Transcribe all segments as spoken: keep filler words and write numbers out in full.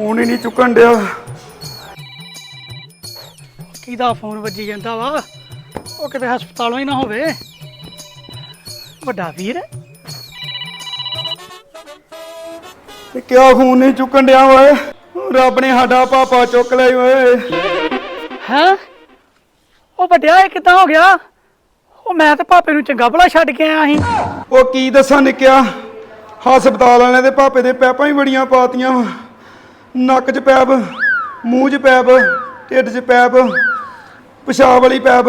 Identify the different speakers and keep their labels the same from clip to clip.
Speaker 1: Phone ही नहीं चुकन दिया।
Speaker 2: किदा phone वजी जांदा वा ਉਹ ਕਿਤੇ ਹਸਪਤਾਲੋਂ ਹੀ ਨਾ ਹੋਵੇ। ਵੱਡਾ ਵੀਰ
Speaker 1: ਤੇ ਕਿਆ ਫੋਨ ਨਹੀਂ ਚੁੱਕਣ ਡਿਆ ਓਏ? ਰੱਬ ਨੇ ਸਾਡਾ ਪਾਪਾ ਚੁੱਕ ਲਿਆ ਓਏ।
Speaker 2: ਹੈ ਉਹ ਵੱਡਿਆ ਇਹ ਕਿੱਦਾਂ ਹੋ ਗਿਆ? ਉਹ ਮੈਂ ਤੇ ਪਾਪੇ ਨੂੰ ਚੰਗਾ ਭਲਾ ਛੱਡ ਕੇ ਆਇਆ ਸੀ।
Speaker 1: ਉਹ ਕੀ ਦੱਸਾਂ ਨਿੱਕਿਆ, ਹਸਪਤਾਲ ਵਾਲਿਆਂ ਦੇ ਪਾਪੇ ਦੇ ਪੈਪਾਂ ਹੀ ਬੜੀਆਂ ਪਾਤੀਆਂ। ਨੱਕ 'ਚ ਪੈਪ, ਮੂੰਹ 'ਚ ਪੈਪ, ਢਿੱਡ 'ਚ ਪੈਪ, ਪਿਸ਼ਾਬ ਵਾਲੀ ਪੈਪ।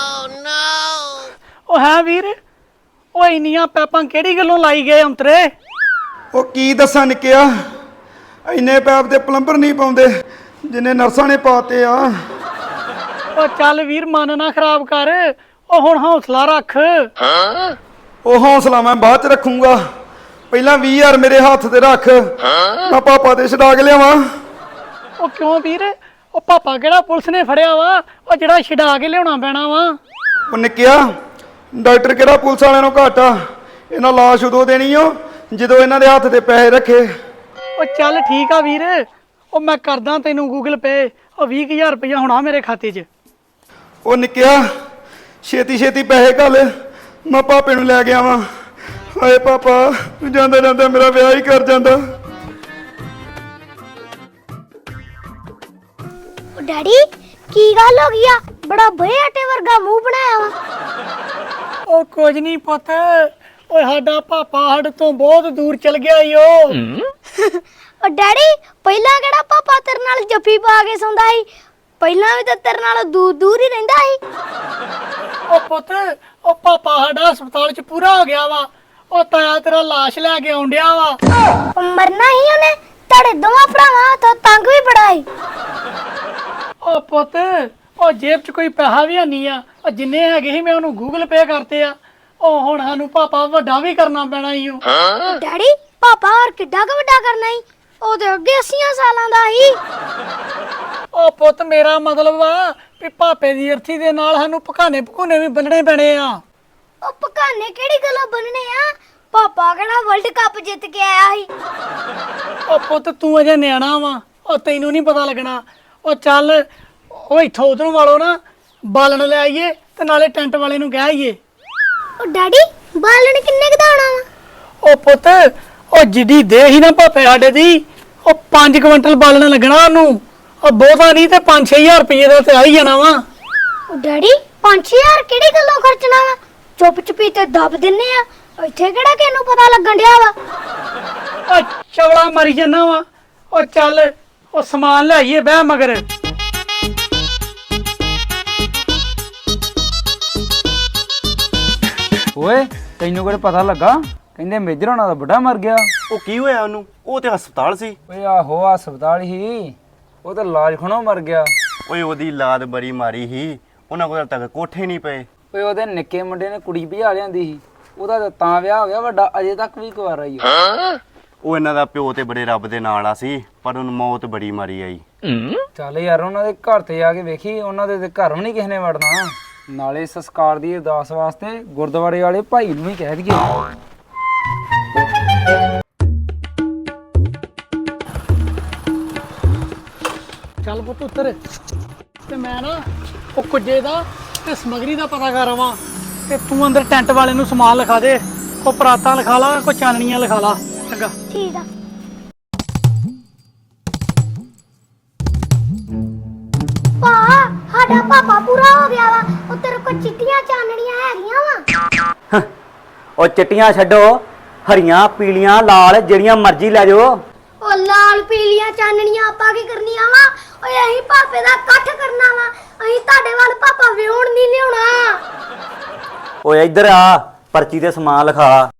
Speaker 2: ਉਹ ਹੈ ਵੀਰ, ਉਹ ਇੰਨੀਆਂ ਪੈਪਾਂ ਕਿਹੜੀ ਗੱਲੋਂ ਲਾਈ ਗਏ ਅੰਤਰੇ?
Speaker 1: ਉਹ ਕੀ ਦੱਸਾਂ ਨਿੱਕਿਆ, ਇੰਨੇ ਪੈਪ ਤੇ ਪਲੰਬਰ ਨਹੀਂ ਪਾਉਂਦੇ ਜਿੰਨੇ ਨਰਸਾਂ ਨੇ ਪਾਤੇ ਆ।
Speaker 2: ਉਹ ਚੱਲ ਵੀਰ ਮਨ ਨਾ ਖਰਾਬ ਕਰ, ਉਹ ਹੁਣ ਹੌਸਲਾ ਰੱਖ।
Speaker 1: ਉਹ ਹੌਸਲਾ ਮੈਂ ਬਾਅਦ ਚ ਰੱਖੂੰਗਾ, ਪਹਿਲਾਂ ਵੀਹ ਹਜ਼ਾਰ ਮੇਰੇ ਹੱਥ ਤੇ ਰੱਖ, ਮੈਂ ਪਾਪਾ ਤੇ ਛਡਾ ਕੇ ਲਿਆਵਾਂ।
Speaker 2: ਉਹ ਕਿਉਂ ਵੀਰ, ਉਹ ਪਾਪਾ ਕਿਹੜਾ ਪੁਲਿਸ ਨੇ ਫੜਿਆ ਵਾ ਉਹ ਜਿਹੜਾ ਛਡਾ ਕੇ ਲਿਆਉਣਾ ਪੈਣਾ ਵਾ?
Speaker 1: ਉਹ ਨਿੱਕਿਆ, ਡਾਕਟਰ ਕਿਹੜਾ ਪੁਲਿਸ ਵਾਲਿਆਂ ਨੂੰ ਘੱਟ ਆ, ਇਹਨਾਂ ਲਾਸ਼ ਉਦੋਂ ਦੇਣੀ ਓ ਜਦੋਂ ਇਹਨਾਂ ਦੇ ਹੱਥ ਤੇ ਪੈਸੇ ਰੱਖੇ।
Speaker 2: ਉਹ ਚੱਲ ਠੀਕ ਆ ਵੀਰ, ਉਹ ਮੈਂ ਕਰਦਾ ਤੈਨੂੰ ਗੂਗਲ ਪੇ, ਉਹ ਵੀਹ ਹਜ਼ਾਰ ਰੁਪਇਆ ਹੋਣਾ ਮੇਰੇ ਖਾਤੇ 'ਚ।
Speaker 1: ਉਹ ਨਿੱਕਿਆ ਛੇਤੀ ਛੇਤੀ ਪੈਸੇ ਘੱਲ, ਮੈਂ ਪਾਪੇ ਨੂੰ ਲੈ ਕੇ ਆਵਾਂ। ਹਾਏ ਪਾਪਾ, ਤੂੰ ਜਾਂਦਾ ਜਾਂਦਾ ਮੇਰਾ ਵਿਆਹ ਹੀ ਕਰ ਜਾਂਦਾ।
Speaker 3: ਡੈਡੀ ਕੀ ਗੱਲ ਹੋ ਗਈ ਆ? ਬੜਾ ਭਏ ਆਟੇ ਵਰਗਾ ਮੂੰਹ ਬਣਾਇਆ ਵਾ।
Speaker 2: ਉਹ ਕੁਝ ਨਹੀਂ ਪੁੱਤ, ਓਏ ਸਾਡਾ ਪਾਪਾ ਸਾਡੇ ਤੋਂ ਬਹੁਤ ਦੂਰ ਚਲ ਗਿਆ ਈ। ਉਹ
Speaker 3: ਉਹ ਡੈਡੀ ਪਹਿਲਾਂ ਕਿਹੜਾ ਪਾਪਾ ਤੇਰੇ ਨਾਲ ਜੱਫੀ ਪਾ ਕੇ ਸੌਂਦਾ ਸੀ? ਪਹਿਲਾਂ ਵੀ ਤਾਂ ਤੇਰੇ ਨਾਲ ਦੂਰ ਦੂਰ ਹੀ ਰਹਿੰਦਾ ਸੀ।
Speaker 2: ਉਹ ਪੁੱਤ, ਉਹ ਪਾਪਾ ਸਾਡਾ ਹਸਪਤਾਲ 'ਚ ਪੂਰਾ ਹੋ ਗਿਆ ਵਾ, ਉਹ ਤਾਇਆ ਤੇਰਾ ਲਾਸ਼ ਲੈ ਕੇ ਆਉਂਦਿਆ ਵਾ।
Speaker 3: ਉਹ ਮਰਨਾ ਹੀ ਉਹਨੇ, ਤੁਹਾਡੇ ਦੋਵਾਂ ਭਰਾਵਾਂ ਤੋਂ ਤੰਗ ਵੀ ਬੜਾ ਸੀ।
Speaker 2: ਉਹ ਪੁੱਤ, ਉਹ ਜੇਬ 'ਚ ਕੋਈ ਪੈਸਾ ਵੀ ਨਹੀਂ ਆ, ਉਹ ਜਿੰਨੇ ਹੈਗੇ ਸੀ ਮੈਂ ਉਹਨੂੰ ਗੂਗਲ ਪੇ ਕਰਤੇ ਆ। ਉਹ ਹੁਣ ਸਾਨੂੰ ਪਾਪਾ ਵੱਡਾ ਵੀ ਕਰਨਾ ਪੈਣਾ ਈ। ਉਹ
Speaker 3: ਡੈਡੀ ਪਾਪਾ ਹੋਰ ਕਿੱਡਾ ਕੁ ਵੱਡਾ ਕਰਨਾ ਸੀ? ਉਹ ਤੇ ਅੱਗੇ ਅੱਸੀ ਸਾਲਾਂ ਦਾ ਸੀ।
Speaker 2: ਉਹ ਪੁੱਤ ਮੇਰਾ ਮਤਲਬ ਆ ਵੀ ਪਾਪੇ ਦੀ ਅਰਥੀ ਦੇ ਨਾਲ ਸਾਨੂੰ ਪਕਾਨੇ ਪਕੂਨੇ ਵੀ ਬੰਨਣੇ ਪੈਣੇ ਆ।
Speaker 3: ਉਹ ਪਕਾਨੇ ਕਿਹੜੀ ਗੱਲੋਂ ਬੰਨਣੇ ਆ? ਪਾਪਾ ਕਿਹੜਾ ਵਰਲਡ ਕੱਪ ਜਿੱਤ ਕੇ ਆਇਆ ਸੀ?
Speaker 2: ਉਹ ਪੁੱਤ ਤੂੰ ਅਜੇ ਨਿਆਣਾ ਵਾ, ਉਹ ਤੈਨੂੰ ਨਹੀਂ ਪਤਾ ਲੱਗਣਾ। ਉਹ ਚੱਲ ਉਹ ਇੱਥੋਂ ਉਧਰੋਂ ਵਾਲੋ ਨਾ ਬਾਲਣ ਲੈ ਆਈਏ ਤੇ ਨਾਲੇ ਟੈਂਟ ਵਾਲੇ ਨੂੰ ਕਹਿ ਆਈਏ।
Speaker 3: ਉਹ ਡੈਡੀ ਬਾਲਣ ਕਿੰਨੇ ਕੁ ਦਾ ਆਉਣਾ ਵਾ?
Speaker 2: ਉਹ ਪੁੱਤ, ਉਹ ਜਿੱਡੀ ਦੇ ਹੀ ਨਾ ਪਾਪੇ ਸਾਡੇ ਦੀ, ਉਹ ਪੰਜ ਕੁਇੰਟਲ ਬਾਲਣ ਲੱਗਣਾ ਉਹਨੂੰ। ਉਹ ਬਹੁਤਾ ਨਹੀਂ ਤੇ ਪੰਜ ਛੇ ਹਜ਼ਾਰ ਰੁਪਏ ਦਾ ਤੇ ਆ ਹੀ ਜਾਣਾ ਵਾ।
Speaker 3: ਉਹ ਡੈਡੀ ਪੰਜ ਛੇ ਹਜ਼ਾਰ ਕਿਹੜੀ ਗੱਲੋਂ ਖਰਚਣਾ ਵਾ? ਚੁੱਪ ਚੁਪੀ ਤੇ ਦੱਬ ਦਿੰਨੇ ਆ, ਇੱਥੇ ਕਿਹੜਾ ਕਿਹਨੂੰ ਪਤਾ ਲੱਗਣ ਡਿਆ ਵਾ?
Speaker 2: ਉਹ ਚਵਲਾ ਮਰੀ ਜਾਣਾ ਵਾ। ਉਹ ਚੱਲ ਉਹ ਸਮਾਨ ਲੈ ਆਈਏ ਬਹਿ ਮਗਰ।
Speaker 4: ਓਏ ਤੈਨੂੰ ਕਿਹੜਾ ਪਤਾ ਲੱਗਾ? ਕਹਿੰਦੇ ਮੇਜਰ ਹੋਣਾ ਦਾ ਬੁੱਢਾ ਮਰ ਗਿਆ।
Speaker 5: ਉਹ ਕੀ ਹੋਇਆ ਉਹਨੂੰ? ਉਹ ਤੇ ਹਸਪਤਾਲ ਸੀ।
Speaker 4: ਓਏ ਆਹੋ ਹਸਪਤਾਲ ਹੀ, ਉਹ ਤਾਂ ਇਲਾਜ ਖਣੋਂ ਮਰ ਗਿਆ।
Speaker 5: ਓਏ ਉਹਦੀ ਲਾਦ ਬੜੀ ਮਾਰੀ ਸੀ, ਉਹਨਾਂ ਕੋਲ ਤੱਕ ਕੋਠੇ ਨਹੀਂ ਪਏ।
Speaker 4: ਓਏ ਉਹਦੇ ਨਿੱਕੇ ਮੁੰਡੇ ਨੇ ਕੁੜੀ ਭਜਾ ਲਿਆਂਦੀ ਸੀ, ਉਹਦਾ ਤਾਂ ਤਾਂ ਵਿਆਹ ਹੋ ਗਿਆ, ਵੱਡਾ ਅਜੇ ਤੱਕ ਵੀ ਕੁਆਰਾ ਹੀ ਆ।
Speaker 5: ਉਹ ਇਹਨਾਂ ਦਾ ਪਿਓ ਤੇ ਬੜੇ ਰੱਬ ਦੇ ਨਾਲ ਆ ਸੀ, ਪਰ ਉਹਨੂੰ ਮੌਤ ਬੜੀ ਮਾਰੀ ਆਈ।
Speaker 4: ਚੱਲ ਯਾਰ ਉਹਨਾਂ ਦੇ ਘਰ ਤੇ ਜਾ ਕੇ ਵੇਖੀ, ਉਹਨਾਂ ਦੇ ਤੇ ਘਰ ਵੀ ਨਹੀਂ ਕਿਸੇ ਨੇ ਵੜਨਾ। ਨਾਲੇ ਸੰਸਕਾਰ ਦੀ ਅਰਦਾਸ ਵਾਸਤੇ ਗੁਰਦੁਆਰੇ ਵਾਲੇ ਭਾਈ ਨੂੰ ਹੀ ਕਹਿ ਦਈਏ।
Speaker 2: ਚੱਲ ਪੁੱਤ ਉੱਤਰ ਤੇ ਮੈਂ ਨਾ ਉਹ ਕੁੱਜੇ ਦਾ ਤੇ ਸਮਗਰੀ ਦਾ ਪਤਾ ਕਰ ਆਵਾਂ, ਤੇ ਤੂੰ ਅੰਦਰ ਟੈਂਟ ਵਾਲੇ ਨੂੰ ਸਮਾਨ ਲਿਖਾ ਦੇ। ਕੋ ਪਰਾਤਾਂ ਲਿਖਾ ਲਾ, ਕੋ ਚਾਨਣੀਆਂ ਲਿਖਾ ਲਾ। ਚੰਗਾ
Speaker 3: ਠੀਕ ਆ। ਪਾ ਸਾਡਾ ਪਾਪਾ ਪੂਰਾ ਹੋ ਗਿਆ ਵਾ। ਉਹ ਤੇਰੇ ਕੋਲ ਚਿੱਟੀਆਂ ਚਾਨਣੀਆਂ ਹੈਗੀਆਂ ਵਾ?
Speaker 6: ਉਹ ਚਿੱਟੀਆਂ ਛੱਡੋ, ਹਰੀਆਂ ਪੀਲੀਆਂ ਲਾਲ ਜਿਹੜੀਆਂ ਮਰਜ਼ੀ ਲੈ ਜਾਓ।
Speaker 3: ਉਹ ਲਾਲ ਪੀਲੀਆਂ ਚਾਨਣੀਆਂ ਆਪਾਂ ਕੀ ਕਰਨੀਆਂ ਵਾ? ਓਏ ਅਸੀਂ ਪਾਪੇ ਦਾ ਇਕੱਠ ਕਰਨਾ ਵਾ, ਅਸੀਂ ਤੁਹਾਡੇ ਵੱਲ ਪਾਪਾ ਵਿਆਹੁਣ ਨਹੀਂ ਲਿਆਉਣਾ।
Speaker 6: ਓਏ ਇੱਧਰ ਆ, ਪਰਚੀ ਤੇ ਸਮਾਨ ਲਿਖਾ।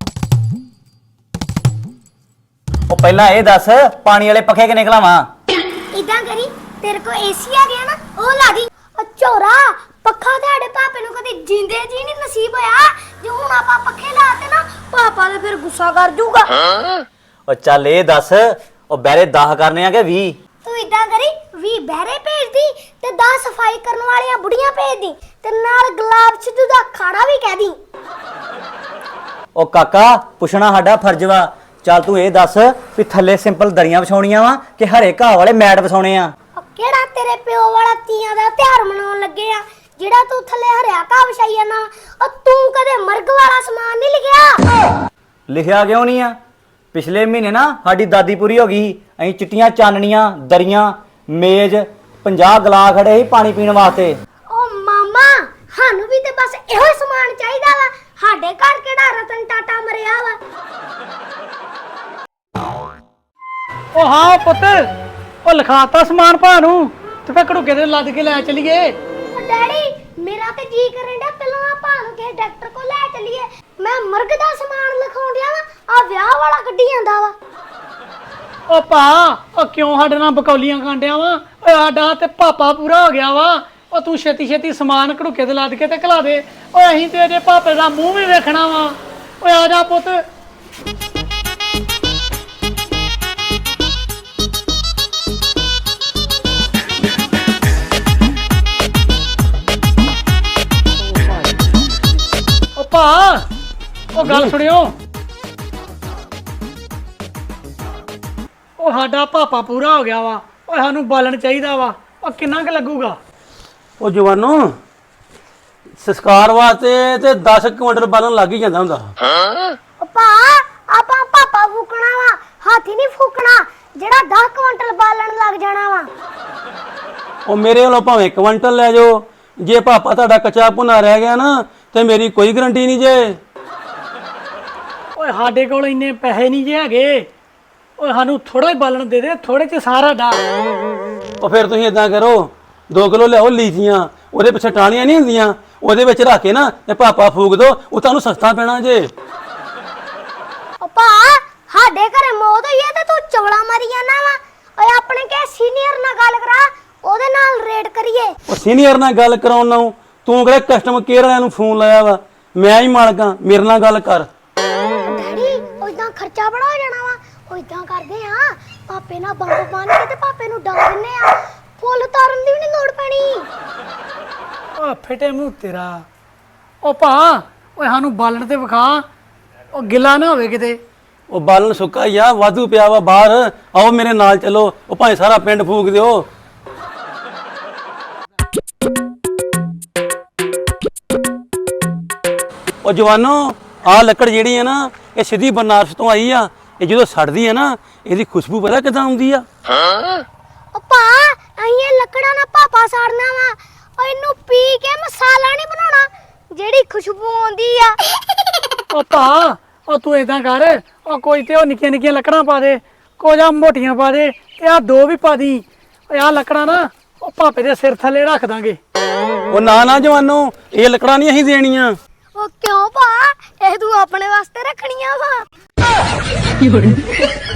Speaker 6: ਉਹ ਪਹਿਲਾਂ ਇਹ ਦੱਸ, ਪਾਣੀ ਵਾਲੇ ਪੱਖੇ ਕਿੰਨੇ ਖਲਾਵਾਂ?
Speaker 3: ਇਦਾਂ ਕਰੀ, ਤੇਰੇ ਕੋਲ ਏਸੀ ਆ ਗਿਆ ਨਾ, ਉਹ ਲਾ ਦੀ। ਉਹ ਝੋਰਾ ਪੱਖਾ ਤੁਹਾਡੇ ਪਾਪੇ ਨੂੰ ਕਦੇ ਜਿੰਦੇ ਜੀ ਨਹੀਂ ਨਸੀਬ ਹੋਇਆ। ਜੇ ਹੁਣ ਆਪਾਂ ਪੱਖੇ ਲਾਤੇ ਨਾ, ਪਾਪਾ ਤਾਂ ਫਿਰ ਗੁੱਸਾ ਕਰ ਜੂਗਾ।
Speaker 6: ਉਹ ਚੱਲ ਇਹ ਦੱਸ, ਉਹ ਬਹਿਰੇ ਦਸ ਕਰਨੇ ਆ ਕਿ ਵੀਹ?
Speaker 3: ਤੂੰ ਇਦਾਂ ਕਰੀ, ਵੀਹ ਬਹਿਰੇ ਭੇਜਦੀ ਤੇ ਦਸ ਸਫਾਈ ਕਰਨ ਵਾਲੀਆਂ ਬੁੜੀਆਂ ਭੇਜਦੀ, ਤੇ ਨਾਲ ਗੁਲਾਬ ਸਿੱਧੂ ਦਾ ਖਾਣਾ ਵੀ ਕਹਿ ਦੀ।
Speaker 6: ਉਹ ਕਾਕਾ ਪੁੱਛਣਾ ਸਾਡਾ ਫਰਜ਼ ਵਾ, ਚੱਲ ਤੂੰ ਇਹ ਦੱਸ ਵੀ ਥੱਲੇ ਸਿੰਪਲ ਦਰੀਆਂ ਵਿਛਾਉਣੀਆਂ ਵਾ ਕਿ ਹਰੇ ਘਾਹ ਵਾਲੇ ਮੈਟ ਵਿਛਾਉਣੇ ਆ?
Speaker 3: ਉਹ ਕਿਹੜਾ ਤੇਰੇ ਪਿਓ ਵਾਲਾ ਤੀਆਂ ਦਾ ਤਿਉਹਾਰ ਮਨਾਉਣ ਲੱਗੇ ਆ ਜਿਹੜਾ ਤੂੰ ਥੱਲੇ ਹਰਿਆ ਘਾਹ ਵਿਛਾਈ ਜਾਣਾ? ਉਹ ਤੂੰ ਕਦੇ ਮਰਗ ਵਾਲਾ ਸਮਾਨ ਨਹੀਂ ਲਿਖਿਆ?
Speaker 6: ਲਿਖਿਆ ਕਿਉਂ ਨਹੀਂ ਆ? ਪਿਛਲੇ ਮਹੀਨੇ ਨਾ ਸਾਡੀ ਦਾਦੀ ਪੂਰੀ ਹੋ ਗਈ, ਅਸੀਂ ਚਿੱਟੀਆਂ ਚਾਨਣੀਆਂ ਦਰੀਆਂ ਮੇਜ਼ ਪੰਜਾਹ ਗਲਾਸ ਖੜੇ ਸੀ ਪਾਣੀ ਪੀਣ ਵਾਸਤੇ।
Speaker 3: ਉਹ ਮਾਮਾ ਸਾਨੂੰ ਵੀ ਤੇ ਬਸ ਇਹੋ ਹੀ ਸਮਾਨ ਚਾਹੀਦਾ ਵਾ। ਸਾਡੇ ਘਰ ਕਿਹੜਾ ਰਤਨ ਟਾਟਾ ਮਰਿਆ ਵਾ?
Speaker 2: ਉਹ ਹਾਂ ਪੁੱਤ, ਉਹ ਲਿਖਾਤਾ ਸਮਾਨ ਭਾ ਨੂੰ ਤੇ ਫੇਰ ਘੜੂਕੇ ਦੇ ਲੱਦ ਕੇ ਲੈ ਚਲੀਏ।
Speaker 3: ਉਹ ਡੈਡੀ ਮੇਰਾ ਤੇ ਜੀ ਕਰਨ ਡਿਆ ਪਹਿਲਾਂ ਆ ਭਾ ਨੂੰ ਕਿਸੇ ਡਾਕਟਰ ਕੋਲ ਲੈ ਚੱਲੀਏ। ਮੈਂ ਮਰਗ ਦਾ ਸਮਾਨ ਲਿਖਾਉਣ ਡਿਆ ਵਾ, ਆ ਵਿਆਹ ਵਾਲਾ ਕੱਢੀ ਜਾਂਦਾ ਵਾ।
Speaker 2: ਉਹ ਭਾ ਉਹ ਕਿਉਂ ਸਾਡੇ ਨਾਲ ਬਕੌਲੀਆਂ ਕਾਂਡਿਆ ਵਾ? ਓਏ ਸਾਡਾ ਤੇ ਪਾਪਾ ਪੂਰਾ ਹੋ ਗਿਆ ਵਾ। ਉਹ ਤੂੰ ਛੇਤੀ ਛੇਤੀ ਸਮਾਨ ਘੜੂਕੇ ਤੇ ਲੱਦ ਕੇ ਤੇ ਘਲਾ ਦੇ। ਓਏ ਅਸੀਂ ਤੇ ਇਹਦੇ ਪਾਪੇ ਦਾ ਮੂੰਹ ਵੀ ਵੇਖਣਾ ਵਾ। ਓਏ ਆ ਜਾ ਪੁੱਤ। ਉਹ ਭਾ ਉਹ ਗੱਲ ਸੁਣਿਓ, ਉਹ ਸਾਡਾ ਪਾਪਾ ਪੂਰਾ ਹੋ ਗਿਆ ਵਾ। ਓਏ ਸਾਨੂੰ ਬਾਲਣ ਚਾਹੀਦਾ ਵਾ। ਉਹ ਕਿੰਨਾ ਕੁ ਲੱਗੂਗਾ?
Speaker 7: ਉਹ ਜਵਾਨੋ ਸੰਸਕਾਰ ਵਾਸਤੇ ਤੇ ਦਸ ਕੁਇੰਟਲ ਬਾਲਣ ਲੱਗ ਹੀ ਜਾਂਦਾ ਹੁੰਦਾ।
Speaker 3: ਉਹ ਭਾ ਆਪਾਂ ਪਾਪਾ ਫੂਕਣਾ ਵਾ, ਹਾਥੀ ਨਹੀਂ ਫੂਕਣਾ ਜਿਹੜਾ ਦਸ ਕੁਇੰਟਲ ਬਾਲਣ ਲੱਗ ਜਾਣਾ ਵਾ।
Speaker 7: ਉਹ ਮੇਰੇ ਵੱਲੋਂ ਭਾਵੇਂ ਕੁਇੰਟਲ ਲੈ ਜਾਓ, ਜੇ ਪਾਪਾ ਤੁਹਾਡਾ ਕੱਚਾ ਭੁਨਾ ਰਹਿ ਗਿਆ ਨਾ ਤੇ ਮੇਰੀ ਕੋਈ ਗਰੰਟੀ ਨਹੀਂ ਜੇ।
Speaker 2: ਓਏ ਸਾਡੇ ਕੋਲ ਇੰਨੇ ਪੈਸੇ ਨਹੀਂ ਜੇ ਹੈਗੇ। ਓਏ ਸਾਨੂੰ ਥੋੜਾ ਹੀ ਬਾਲਣ ਦੇ ਦੇ, ਥੋੜੇ ਚ ਸਾਰਾ ਡਾ।
Speaker 7: ਉਹ ਫਿਰ ਤੁਸੀਂ ਇਦਾਂ ਕਰੋ, ਦੋ ਕਿਲੋ ਲਿਆਓ ਲੀਚੀਆਂ, ਉਹਦੇ ਪਿੱਛੇ ਟਾਹਣੀਆਂ ਨਹੀਂ ਹੁੰਦੀਆਂ, ਉਹਦੇ ਵਿੱਚ ਰੱਖ ਕੇ ਨਾ ਤੇ ਪਾਪਾ ਫੂਕ ਦੋ, ਉਹ ਤੁਹਾਨੂੰ ਸਸਤਾ ਪੈਣਾ ਜੇ।
Speaker 3: ਉਹ ਭਾ ਸਾਡੇ ਘਰੇ ਮੌਤ ਹੋਈ ਹੈ ਤੇ ਤੂੰ ਚਵਲਾ ਮਾਰੀ ਜਾਣਾ ਵਾ। ਓਏ ਆਪਣੇ ਕੇ ਸੀਨੀਅਰ ਨਾਲ ਗੱਲ ਕਰਾ, ਉਹਦੇ ਨਾਲ ਰੇਡ ਕਰੀਏ।
Speaker 7: ਉਹ ਸੀਨੀਅਰ ਨਾਲ ਗੱਲ ਕਰਾਉਣ ਨੂੰ ਤੂੰ ਕਿਹੜਾ ਕਸਟਮਰ ਕੇਅਰ ਵਾਲਿਆਂ ਨੂੰ ਫੋਨ ਲਾਇਆ ਵਾ? ਮੈਂ ਹੀ ਮਾਲਕਾਂ, ਮੇਰੇ ਨਾਲ ਗੱਲ ਕਰ।
Speaker 3: ਡੈਡੀ ਉਹ ਇਦਾਂ ਖਰਚਾ ਬੜਾ ਹੋ ਜਾਣਾ ਵਾ। ਉਹ ਇਦਾਂ ਕਰਦੇ ਆ ਪਾਪੇ ਨਾਲ ਬੰਬ ਬੰਨ ਕੇ ਤੇ ਪਾਪੇ ਨੂੰ ਡਾ ਦਿੰਨੇ ਆ, ਫੁੱਲ ਤਾਰਨ ਦੀ ਵੀ ਨਹੀਂ ਲੋੜ ਪੈਣੀ।
Speaker 2: ਓ ਫਿੱਟੇ ਮੂੰਹ ਤੇਰਾ। ਉਹ ਭਾ ਓਏ ਸਾਨੂੰ ਬਾਲਣ ਤੇ ਵਿਖਾ, ਉਹ ਗਿੱਲਾ ਨਾ ਹੋਵੇ ਕਿਤੇ।
Speaker 7: ਉਹ ਬਾਲਣ ਸੁੱਕਾ ਹੀ ਆ, ਵਾਧੂ ਪਿਆ ਵਾ ਬਾਹਰ, ਆਓ ਮੇਰੇ ਨਾਲ ਚਲੋ, ਉਹ ਭਾਵੇਂ ਸਾਰਾ ਪਿੰਡ ਫੂਕ ਦਿਓ। ਉਹ ਜਵਾਨੋ ਆਹ ਲੱਕੜ ਜਿਹੜੀ ਹੈ ਨਾ ਇਹ ਸਿੱਧੀ ਬਨਾਰਸ ਤੋਂ ਆਈ ਆ। ਇਹ ਜਦੋਂ ਸੜਦੀ ਹੈ ਨਾ ਇਹਦੀ ਖੁਸ਼ਬੂ ਪਤਾ ਕਿਦਾਂ ਆਉਂਦੀ ਆ?
Speaker 3: ਉਹ ਭਾ ਅਸੀਂ ਇਹ ਲੱਕੜਾਂ ਨਾਲ ਪਾਪਾ ਸਾੜਨਾ ਵਾ। ਉਹ ਇਹਨੂੰ ਪੀ ਕੇ ਮਸਾਲਾ ਨਹੀਂ ਬਣਾਉਣਾ ਜਿਹੜੀ ਖੁਸ਼ਬੂ ਆਉਂਦੀ ਆ।
Speaker 2: ਉਹ ਭਾ ਉਹ ਤੂੰ ਏਦਾਂ ਕਰ, ਉਹ ਕੋਈ ਤੇ ਉਹ ਨਿੱਕੀਆਂ ਨਿੱਕੀਆਂ ਲੱਕੜਾਂ ਪਾ ਦੇ, ਕੁਝ ਆ ਮੋਟੀਆਂ ਪਾ ਦੇ ਤੇ ਆ ਦੋ ਵੀ ਪਾ ਦੀ। ਓਏ ਆ ਲੱਕੜਾਂ ਨਾ ਉਹ ਭਾਪੇ ਦੇ ਸਿਰ ਥੱਲੇ ਰੱਖ ਦਾਂਗੇ।
Speaker 7: ਉਹ ਨਾ ਨਾ ਜਵਾਨੋ ਇਹ ਲੱਕੜਾਂ ਨਹੀਂ ਅਸੀਂ ਦੇਣੀਆਂ।
Speaker 3: ਉਹ ਕਿਉਂ ਭਾ? ਇਹ ਤੂੰ ਆਪਣੇ ਵਾਸਤੇ ਰੱਖਣੀਆਂ ਵਾ।